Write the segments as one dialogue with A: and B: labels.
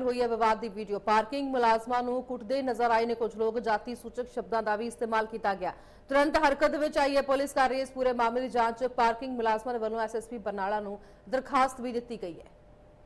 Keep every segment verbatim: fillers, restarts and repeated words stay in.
A: Viral हुई है विवाद की वीडियो। पार्किंग मुलाजमां नूं कुटदे नजर आए ने कुछ लोग। जाति सूचक शब्दों का भी इस्तेमाल किया गया। तुरंत हरकत में आई है पुलिस। कर रही है इस पूरे मामले की जांच। पार्किंग मुलाजमां वालों एस एस पी बरनाला नूं दरखास्त भी दी गई है।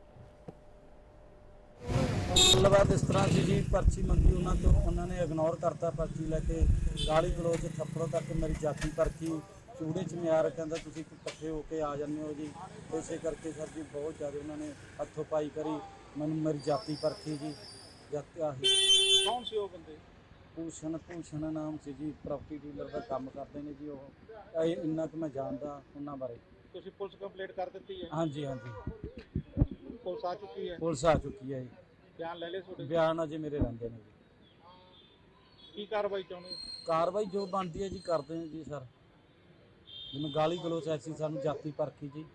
B: गलबात इस तरह से जी पर्ची मंगी उन्होंने तो उन्होंने इग्नोर करता पर्ची लैके गाली गलोच थप्पड़ों तक मेरी जाति परखी चूड़े चमियार कहता तुम इकट्ठे होके आ जाने हो जी। इस करके सर जी बहुत ज़्यादा उन्होंने हथों पाई करी मैं मेरी जाति परखी जी। जाति आही
C: कौन से वो बंदे?
B: भूषण भूषण नाम से जी प्रॉपर्टी डीलर का काम करते हैं जी। वो इन्ना कि मैं जानता उन्होंने बारे।
C: ਤੁਸੀਂ ਪੁਲਿਸ ਕੰਪਲੇਂਟ ਕਰ ਦਿੱਤੀ ਹੈ?
B: हाँ जी हाँ जी
C: ਪੁਲਿਸ ਆ ਚੁੱਕੀ ਹੈ?
B: पुलिस आ चुकी है जी।
C: ਬਿਆਨ ਲੈ ਲਏ ਤੁਹਾਡੇ?
B: बयान अजे मेरे रहिंदे ने जी।
C: ਕੀ ਕਾਰਵਾਈ ਚਾਹੁੰਦੇ ਹੋ?
B: कार्रवाई जो बनती है जी करते हैं जी सर। जिन्हें गाली गलोच ऐसी सानू जाति परखी जी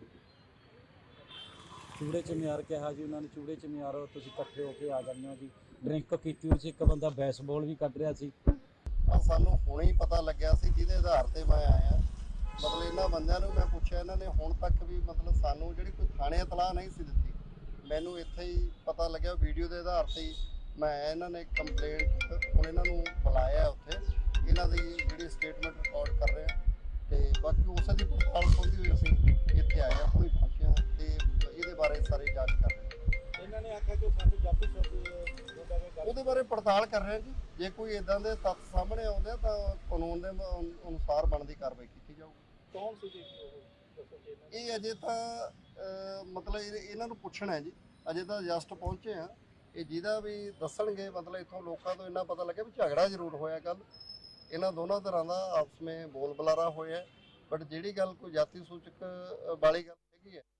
B: चूड़े चमियार कहा जी उन्होंने चूड़े चमियार तुम इकट्ठे होके आ जाने हो जी। ड्रिंक की उस एक बंदा बैसबॉल भी कढ़ रहा सी।
D: सानू हुणे ही पता लग्या सी जिहदे आधार ते मैं आया। मतलब इन्हां बंदियां नूं मैं पुछया इन्हां ने हुण तक भी मतलब सानू जिहड़ी कोई थाणे इतलाह नहीं सी दित्ती। मैनू इत्थे ही पता लग्या वीडियो के आधार से ही मैं इन्हां ने कंप्लेंट हुण इन्हां नूं बुलाया उत्थे इन्हां दी जिहड़ी स्टेटमेंट रिकॉर्ड कर रहे हैं ते बाकी उस दी पड़ताल होंदी हुई असीं इत्थे आए हां हुणे पहुंचे हां ते इहदे बारे सारी जांच कर रहे हैं।
C: ਇਹਨਾਂ ਨੇ ਆਖਿਆ ਕਿ ਸਾਨੂੰ ਜਾਤੀ ਸ਼ਬਦ
D: ਉਹਦੇ ਬਾਰੇ ਪੜਤਾਲ ਕਰ ਰਹੇ ਹਾਂ ਜੀ। ਜੇ ਕੋਈ ਇਦਾਂ ਦੇ ਤੱਥ ਸਾਹਮਣੇ ਆਉਂਦੇ ਆ ਤਾਂ ਕਾਨੂੰਨ ਦੇ ਅਨੁਸਾਰ ਬਣਦੀ ਕਾਰਵਾਈ ਕੀਤੀ ਜਾਊਗੀ।
C: ਕੌਣ ਸੀ ਜੀ ਦੱਸੋ ਜੀ?
D: ਇਹ ਅਜੇ ਤਾਂ ਮਤਲਬ ਇਹਨਾਂ ਨੂੰ ਪੁੱਛਣਾ ਹੈ ਜੀ। ਅਜੇ ਤਾਂ ਜਸਟ ਪਹੁੰਚੇ ਆ। ਇਹ ਜਿਹਦਾ ਵੀ ਦੱਸਣਗੇ ਮਤਲਬ ਇੱਥੋਂ ਲੋਕਾਂ ਤੋਂ ਇੰਨਾ ਪਤਾ ਲੱਗਿਆ ਵੀ ਝਗੜਾ ਜ਼ਰੂਰ ਹੋਇਆ ਕੱਲ ਇਹਨਾਂ ਦੋਨਾਂ ਤਰ੍ਹਾਂ ਦਾ ਆਪਸ ਵਿੱਚ ਬੋਲ ਬੁਲਾਰਾ ਹੋਇਆ। ਬਟ ਜਿਹੜੀ ਗੱਲ ਕੋਈ ਜਾਤੀ ਸੂਚਕ ਵਾਲੀ ਗੱਲ ਹੈਗੀ ਹੈ